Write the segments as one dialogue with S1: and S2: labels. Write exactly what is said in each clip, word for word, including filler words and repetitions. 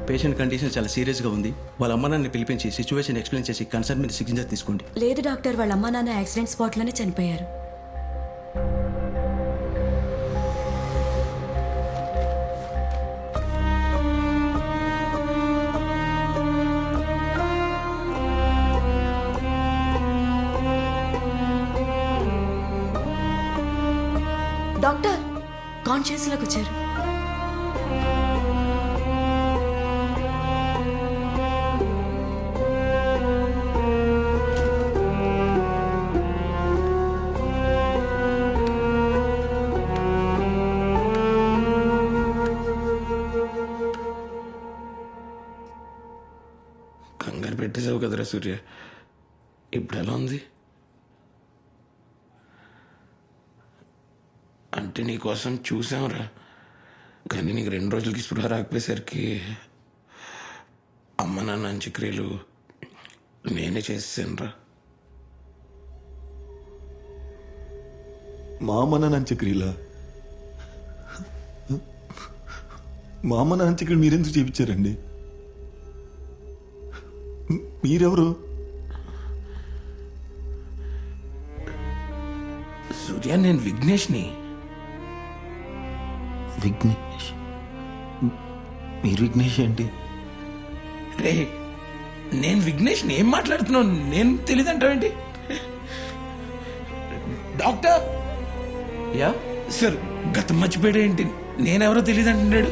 S1: Patient condition చాలా సీరియస్గా ఉంది. వాళ్ళ అమ్మ నాన్నని పిలిపించి సిచ్యువేషన్ ఎక్స్ప్లెయిన్ చేసి కన్సర్న్ మీద సిగ్నేచర్ తీసుకోండి.
S2: లేదు డాక్టర్, వాళ్ళ అమ్మా నాన్న యాక్సిడెంట్ స్పాట్లోనే చనిపోయారు. డాక్టర్ కాన్షియస్లోకి వచ్చారు.
S3: కంగారు పెట్టేసావు కదరా సూర్య. ఇప్పుడు ఎలా ఉంది? అంటే నీకోసం చూసాంరా, కానీ నీకు రెండు రోజులకి స్పృహ రాకపోయేసరికి అమ్మ నాన్న అంత్యక్రియలు నేనే చేసేసానురా.
S4: మా అమ్మ నాన్న అంత్యక్రియలా? మా అమ్మ నాన్న అంత్యక్రియలు మీరెందుకు చేయించారండి? మీరెవరు?
S3: సూర్య, నేను విఘ్నేష్ని.
S4: విఘ్నేష్? మీరు విఘ్నేష్ ఏంటి?
S3: రే, నేను విఘ్నేష్ని. ఏం మాట్లాడుతున్నావు? నేను తెలియదంటావేంటి? డాక్టర్
S1: యా
S3: సార్, గతం మర్చిపోయాడు ఏంటి? నేనెవరో తెలియదు అంటున్నాడు.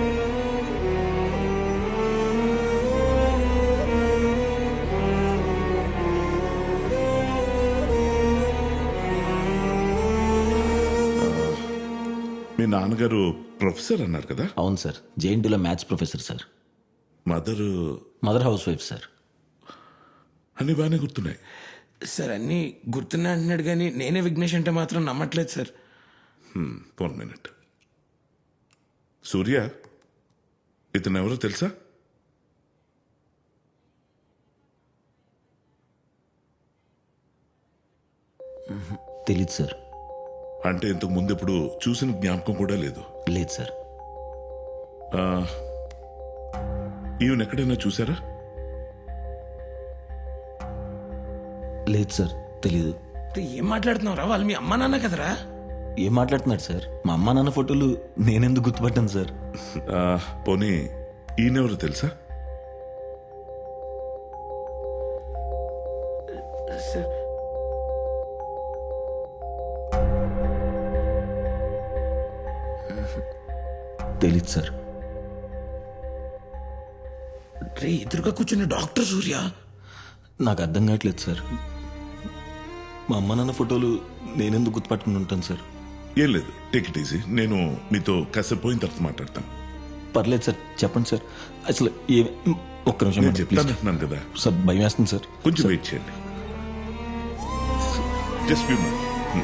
S5: మీ నాన్నగారు ప్రొఫెసర్ అన్నారు కదా?
S4: అవును సార్, జేఎన్టీలో maths professor sir.
S5: Mother
S4: mother housewife sir.
S5: అన్ని బాగానే గుర్తున్నాయి
S3: సార్, అన్నీ గుర్తున్నా అంటున్నాడు, కానీ నేనే విఘ్నేష్ అంటే మాత్రం నమ్మట్లేదు సార్.
S5: One minute. సూర్య, ఇతను ఎవరో తెలుసా?
S4: తెలీదు సార్.
S5: అంటే ఇంతకు ముందు ఎప్పుడు చూసిన జ్ఞాపకం కూడా లేదు?
S4: లేదు సార్.
S5: ఈవెన్ ఎక్కడైనా చూసారా?
S4: లేదు సార్, తెలీదు.
S3: రే, ఏం మాట్లాడుతున్నావు రా? వాళ్ళు మీ అమ్మ నాన్న కదరా?
S4: ఏం మాట్లాడుతున్నాడు సార్? మా అమ్మ నాన్న ఫోటోలు నేనెందుకు గుర్తుపట్టాను సార్?
S5: ఆ, పోనీ ఈయనెవరో తెలుసా?
S3: సార్,
S4: తెలీదు సార్.
S3: రే, ఎదురుగా కూర్చున్న డాక్టర్ సూర్య.
S4: నాకు అర్థం కావట్లేదు సార్. మా అమ్మ నాన్న ఫోటోలు నేనెందుకు గుర్తుపట్టుకుని ఉంటాను సార్?
S5: ఏం లేదు, టేక్ ఇట్ ఈజీ. నేను మీతో కాసేపు పోయిన తర్వాత మాట్లాడతాను.
S4: పర్లేదు సార్, చెప్పండి సార్. అసలు ఏ ఒక్క నిమిషం
S5: నేను
S4: మేడం,
S5: చెప్తాను
S4: ప్లీజ్.
S5: అంటున్నాను కదా,
S4: సార్ భయం వేస్తుంది సార్.
S5: కొంచెం వెయిట్ చేయండి. Just few minutes.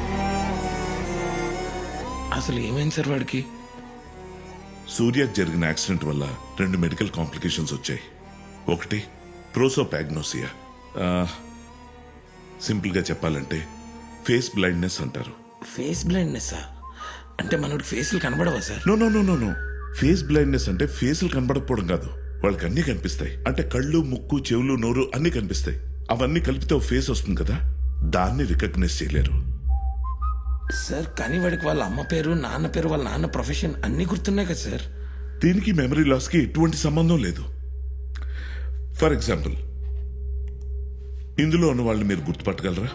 S3: అసలు ఏమైంది సార్ వాడికి?
S5: సూర్యకు జరిగిన యాక్సిడెంట్ వల్ల రెండు మెడికల్ కాంప్లికేషన్స్ వచ్చాయి. ఒకటి ప్రోసోపాగ్నోసియా. సింపుల్గా చెప్పాలంటే ఫేస్ బ్లైండ్నెస్ అంటారు.
S3: Face blindness? అంటే మనోడికి ఫేస్లు కనబడవా sir?
S5: No no no no no face blindness అంటే ఫేసులు కనబడకపోవడం కాదు, వాళ్ళకి అన్ని కనిపిస్తాయి. అంటే కళ్ళు, ముక్కు, చెవులు, నోరు అన్ని కనిపిస్తాయి. అవన్నీ కలిపితే ఒక ఫేస్ వస్తుంది కదా, దాన్ని రికగ్నైజ్ చేయలేరు.
S3: సార్, కానీ వాడికి వాళ్ళ అమ్మ పేరు, నాన్న పేరు, వాళ్ళ నాన్న ప్రొఫెషన్ అన్ని గుర్తున్నాయి కదా సార్.
S5: దీనికి మెమరీ లాస్కి ఎటువంటి సంబంధం లేదు. ఫర్ ఎగ్జాంపుల్, ఇందులో ఉన్న వాళ్ళని మీరు గుర్తుపట్టగలరా?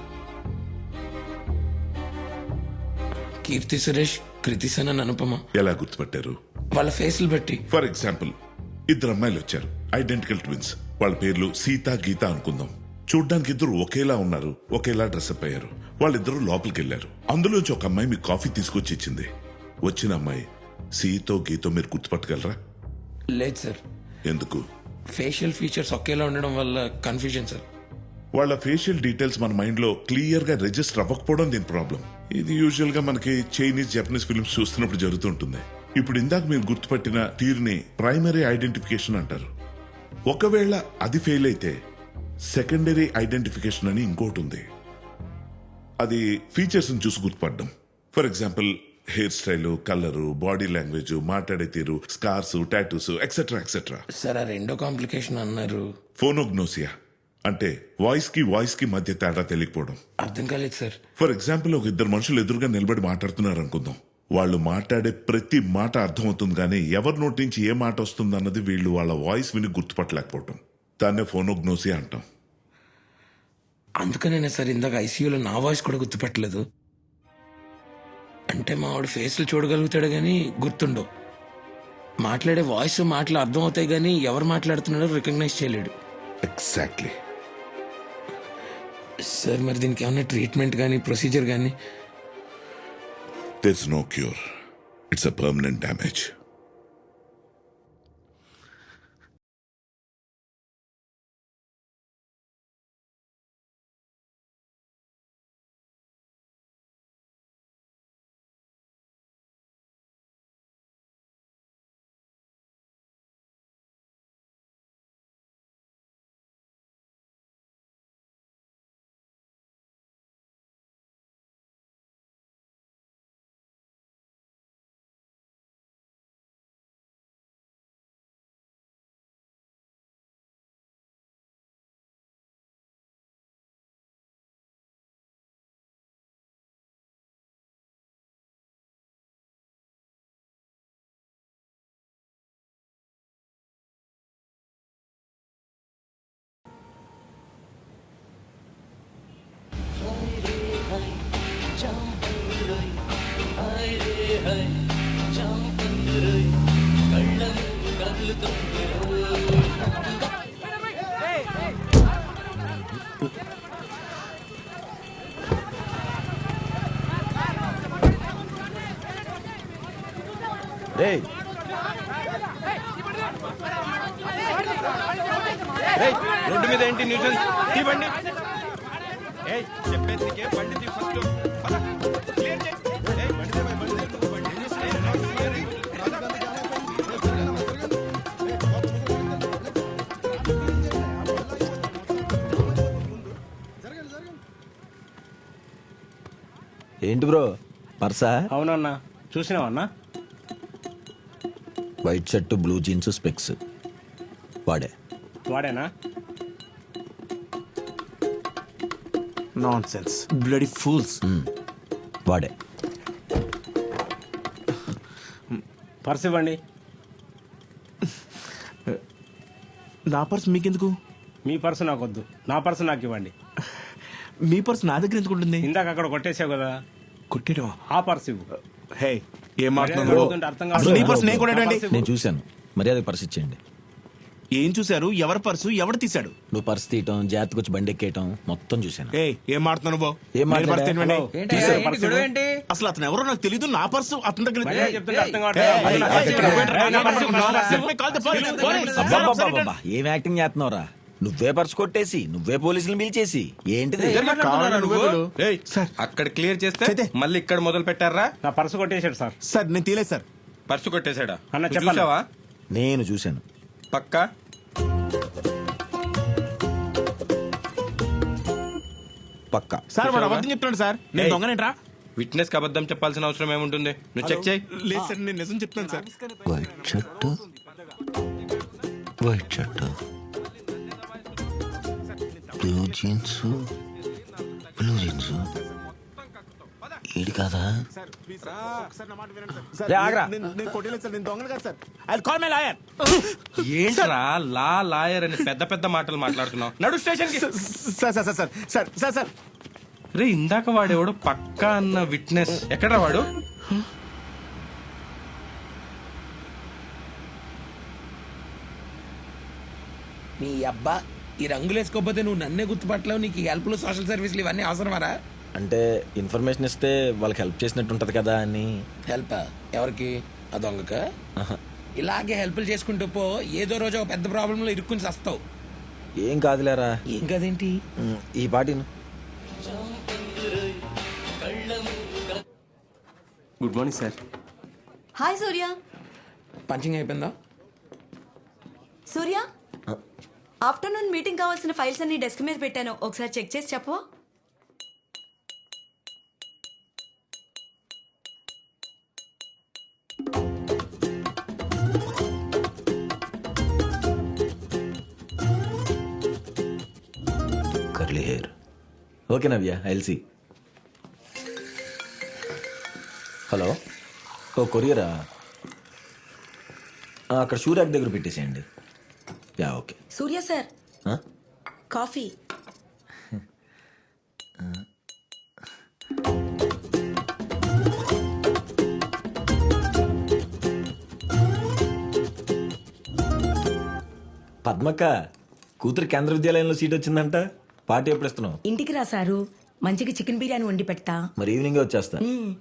S3: కీర్తి సురేష్, కృతి సనన్, అనుపమ.
S5: ఎలా గుర్తుపట్టారు?
S3: వాళ్ళ ఫేస్లు బట్టి.
S5: ఫర్ ఎగ్జాంపుల్, ఇద్దరు అమ్మాయిలు వచ్చారు, ఐడెంటికల్ ట్విన్స్. వాళ్ళ పేర్లు సీత, గీత అనుకుందాం. చూడ్డానికి ఇద్దరు ఒకేలా ఉన్నారు, ఒకేలా డ్రెస్అప్ అయ్యారు. వాళ్ళిద్దరూ లోపలికి వెళ్ళారు. అందులోంచి ఒక అమ్మాయి మీకు కాఫీ తీసుకొచ్చి ఇచ్చింది. వచ్చిన అమ్మాయి సీతో, గీతో మీరు గుర్తుపట్టగలరా?
S3: లేదు సార్.
S5: ఎందుకు?
S3: ఫేషియల్ ఫీచర్స్ ఒకేలా ఉండడం వల్ల కన్ఫ్యూజన్ సార్.
S5: వాళ్ళ ఫేషియల్ డీటెయిల్స్ మన మైండ్ లో క్లియర్ గా రిజిస్టర్ అవ్వకపోవడం దీని ప్రాబ్లం. ఇది యూజువల్ గా మనకి చైనీస్, జపనీస్ ఫిల్మ్స్ చూస్తున్నప్పుడు జరుగుతుంటుంది. ఇప్పుడు ఇందాక మీరు గుర్తుపట్టిన తీరుని ప్రైమరీ ఐడెంటిఫికేషన్ అంటారు. ఒకవేళ అది ఫెయిల్ అయితే సెకండరీ ఐడెంటిఫికేషన్ అని ఇంకోటి ఉంది. అది ఫీచర్స్ చూసి గుర్తుపడడం. For example, hair style, colour, body language, మాట్లాడే తీరు, scars, tattoos etcetera etcetera.
S3: Sir ఆ రెండో కాంప్లికేషన్ అన్నారు.
S5: ఫోనోగ్నోసియా అంటే వాయిస్ కి వాయిస్ కి మధ్య తేడా తెలియకపోవడం.
S3: అర్థం కాలేదు సార్.
S5: ఫర్ ఎగ్జాంపుల్ ఒక ఇద్దరు మనుషులు ఎదురుగా నిలబడి మాట్లాడుతున్నారు అనుకుందాం. వాళ్ళు మాట్లాడే ప్రతి మాట అర్థమవుతుంది కానీ ఎవరి నోటి నుంచి ఏ మాట వస్తుంది అన్నది వీళ్ళు వాళ్ళ వాయిస్ విని గుర్తుపట్టలేకపోవటం. దాన్నే ఫోనోగ్నోసియా అంటాం.
S3: అందుకనే సార్ ఇందాక ఐసీయూలో నా వాయిస్ కూడా గుర్తుపట్టలేదు. అంటే మా వాడు ఫేస్లు చూడగలుగుతాడు కానీ గుర్తుండవు. మాట్లాడే వాయిస్ మాటలు అర్థం అవుతాయి కానీ ఎవరు మాట్లాడుతున్నాడో రికగ్నైజ్ చేయలేడు.
S5: ఎగ్జాక్ట్లీ.
S3: సార్ మరి దీనికి ఏమైనా ట్రీట్మెంట్ కానీ ప్రొసీజర్ కానీ?
S5: There's no cure. It's a permanent damage.
S6: రేయ్ రేయ్ రోడ్డు మీద ఏంటి న్యూసెన్స్? ఈ బండి ఏయ్ చెప్పేది నీకే, బండి తీ ఫస్ట్. పద క్లియర్ చేయి. ఏయ్ బండి తీ, బండి తీ, బండి తీ.
S7: ఏంటి బ్రో పర్సా?
S6: అవునన్నా, చూసినావన్నా?
S7: White shirt, blue jeans, specs. వాడే
S6: వాడేనా?
S1: Nonsense bloody fools.
S7: వాడే.
S6: పర్స్ ఇవ్వండి.
S1: నా పర్స్ మీకెందుకు?
S6: మీ పర్సు నాకు వద్దు, నా పర్సు నాకు ఇవ్వండి.
S1: మీ పర్స్ నా దగ్గర ఎందుకు ఉంటుంది?
S6: ఇందాక అక్కడ కొట్టేసావు కదా,
S1: కొట్టేయడం.
S6: ఆ పర్సు ఇవ్వు.
S1: హే ఏం
S6: మర్యాద
S1: మాట్లాడుతున్నారు?
S6: అడుగుతుంటే అర్థం
S1: అసలు నీ పర్స్ నేను
S6: కాదు.
S1: కొనేటండి.
S6: నా పర్సు ఇవ్వు.
S7: నేను చూశాను, మర్యాద పర్స్ ఇచ్చేయండి.
S1: ఏం చూశారు? ఎవరి పర్సు ఎవడు తీశాడు?
S7: నువ్వు పర్స్ తీయటం, జాగ్రత్తగా వచ్చి బండి ఎక్కేయటం మొత్తం చూశాను.
S1: ఏ ఏం మాట్లాడుతున్నావు బాబు?
S7: ఏం
S1: నేను పర్స్
S7: మాట్లాడా?
S1: తీయమండి.
S6: తీశారు పర్సు ఇవ్వు.
S1: అసలు అతను ఎవరో నాకు తెలీదు. నా పర్సు అతని దగ్గర ఉంది.
S6: మర్యాద చెప్తుంటే అర్థం
S1: ఏయ్,
S6: కావట్లేదు.
S1: ఏయ్,
S6: నా
S1: ఏయ్,
S6: పర్సు
S1: ఇక్కడ
S6: ఇవ్వు.
S1: పెట్టరా?
S6: నా పర్సు ఇవ్వు. నా పర్సు ఇవ్వు.
S1: Call the police. Police.
S7: అబ్బబ్బబ్బబ్బబ్బా, ఏం యాక్టింగ్ చేస్తున్నావురా? నువ్వే పర్స్ కొట్టేసి నువ్వే పోలీసులు పిలిచేసి ఏంటిది?
S1: సార్
S8: అక్కడ క్లియర్ చేస్తే
S1: చేతే.
S8: మళ్ళీ ఇక్కడ మొదలు పెట్టారా?
S6: నా పర్సు కొట్టేశాడు సార్.
S1: సార్ నేను తీయలేదు సార్.
S8: పర్సు కొట్టేశాడా?
S6: అన్న,
S8: నువ్వు
S6: చెప్పాలా?
S8: చూసావా?
S7: నేను చూశాను.
S8: పక్కా
S7: పక్కా.
S1: సార్ వాడు అబద్ధం చెప్తున్నాడు సార్. నేను
S8: ఏయ్.
S1: దొంగనేట్రా?
S8: విట్నెస్ కి అబద్ధం చెప్పాల్సిన అవసరం ఏముంటుంది? నువ్వు చెక్ చేయి.
S1: లేదు సార్, నేను నిజం చెప్తాను sir.
S7: White shirt, white shirt, blue jeans, blue jeans. ఈడు కాదా? రే, ఆగ్రా.
S1: నేను- నేను కొట్టలేదు సార్. నేను దొంగను కాదు sir. I'll call my lawyer.
S8: ఏంట్రా లా లాయర్ అని పెద్ద పెద్ద మాటలు మాట్లాడుతున్నావు? నడు స్టేషన్ కి.
S1: Sir sir sir sir sir sir sir
S8: రే ఇందాక వాడేవాడు పక్కా అన్న విట్నెస్ ఎక్కడ్రా వాడు?
S3: నీ అబ్బా ఈ రంగులు వేసుకోకపోతే నువ్వు నన్నే గుర్తుపట్టలేవు. నీకు హెల్ప్లు సోషల్ సర్వీసులు ఇవన్నీ అవసరమారా?
S7: అంటే ఇన్ఫర్మేషన్ ఇస్తే వాళ్ళకి హెల్ప్ చేసినట్టు ఉంటది కదా అని.
S3: హెల్ప్ ఎవరికి? ఆ దొంగక? ఇలాగే హెల్ప్లు చేసుకుంటూ పో, ఏదో రోజు ఒక పెద్ద ప్రాబ్లంలో ఇరుక్కుని చస్తావు.
S7: ఏం కాదులేరా.
S3: ఏం కదేంటి?
S7: ఉమ్, ఈ పాటిను.
S6: Good morning sir.
S2: Hi Surya.
S3: Punching అయిపోయిందా?
S2: సూర్య, ఆఫ్టర్నూన్ మీటింగ్ కావాల్సిన ఫైల్స్ అన్ని డెస్క్ మీద పెట్టాను, ఒకసారి చెక్ చేసి చెప్పవా?
S4: Okay Navya I'll see. హలో, ఓ కొరియరా? ఆ, అక్కడ షూరాక్ దగ్గర పెట్టేసేయండి. Yeah okay.
S2: సూర్య సార్
S4: ఆ?
S2: కాఫీ.
S4: పద్మక్క కూతురు కేంద్ర విద్యాలయంలో సీట్ వచ్చిందంట. పార్టీ ఎప్పుడు ఇస్తున్నావు?
S2: ఇంటికి రా సారు, మంచిగా చికెన్ బిర్యానీ వండి పెడతా.
S4: మరి ఈవినింగ్ వచ్చేస్తా.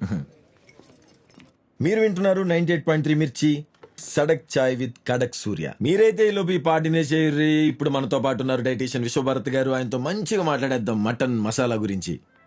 S4: మీరు వింటున్నారు నైన్టీ ఎయిట్ పాయింట్ త్రీ మిర్చి సడక్ చాయ్ విత్ కడక్ సూర్య. మీరైతే ఈ లోపు ఈ పార్టీనే చేయర్రి. ఇప్పుడు మనతో పాటు ఉన్నారు డైటీషియన్ విశ్వభారత్ గారు. ఆయనతో మంచిగా మాట్లాడేద్దాం మటన్ మసాలా గురించి.